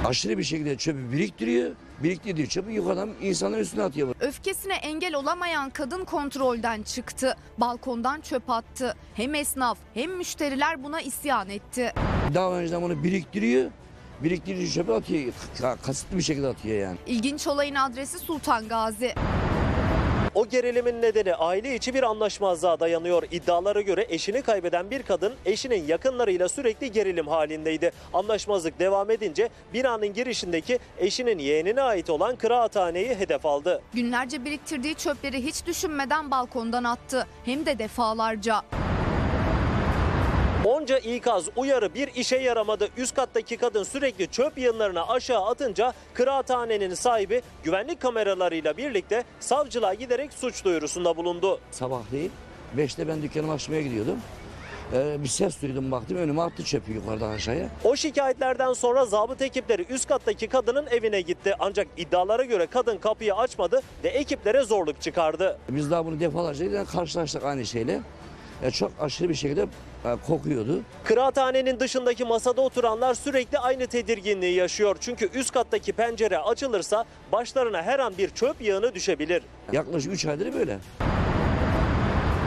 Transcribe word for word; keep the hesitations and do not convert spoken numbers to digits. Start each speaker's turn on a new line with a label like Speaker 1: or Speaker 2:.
Speaker 1: Aşırı bir şekilde çöpü biriktiriyor. Biriktirdiği çöpü yukarıdan insanların üstüne atıyor.
Speaker 2: Öfkesine engel olamayan kadın kontrolden çıktı. Balkondan çöp attı. Hem esnaf hem müşteriler buna isyan etti.
Speaker 1: Daha önceden bunu biriktiriyor. Biriktirdiği çöpü atıyor. Kasıtlı bir şekilde atıyor yani.
Speaker 2: İlginç olayın adresi Sultan Gazi.
Speaker 3: O gerilimin nedeni aile içi bir anlaşmazlığa dayanıyor. İddialara göre eşini kaybeden bir kadın eşinin yakınlarıyla sürekli gerilim halindeydi. Anlaşmazlık devam edince binanın girişindeki eşinin yeğenine ait olan kıraathaneyi hedef aldı.
Speaker 2: Günlerce biriktirdiği çöpleri hiç düşünmeden balkondan attı. Hem de defalarca.
Speaker 3: Onca ikaz, uyarı bir işe yaramadı. Üst kattaki kadın sürekli çöp yığınlarını aşağı atınca kıraathanenin sahibi güvenlik kameralarıyla birlikte savcılığa giderek suç duyurusunda bulundu.
Speaker 1: Sabahleyin beşte ben dükkanımı açmaya gidiyordum. Ee, bir ses duydum, baktım önüme attı çöpü yukarıdan aşağıya.
Speaker 3: O şikayetlerden sonra zabıta ekipleri üst kattaki kadının evine gitti. Ancak iddialara göre kadın kapıyı açmadı ve ekiplere zorluk çıkardı.
Speaker 1: Biz daha bunu defalarca karşılaştık aynı şeyle. E, çok aşırı bir şekilde e, kokuyordu.
Speaker 3: Kıraathanenin dışındaki masada oturanlar sürekli aynı tedirginliği yaşıyor. Çünkü üst kattaki pencere açılırsa başlarına her an bir çöp yığını düşebilir.
Speaker 1: Yaklaşık üç aydır böyle.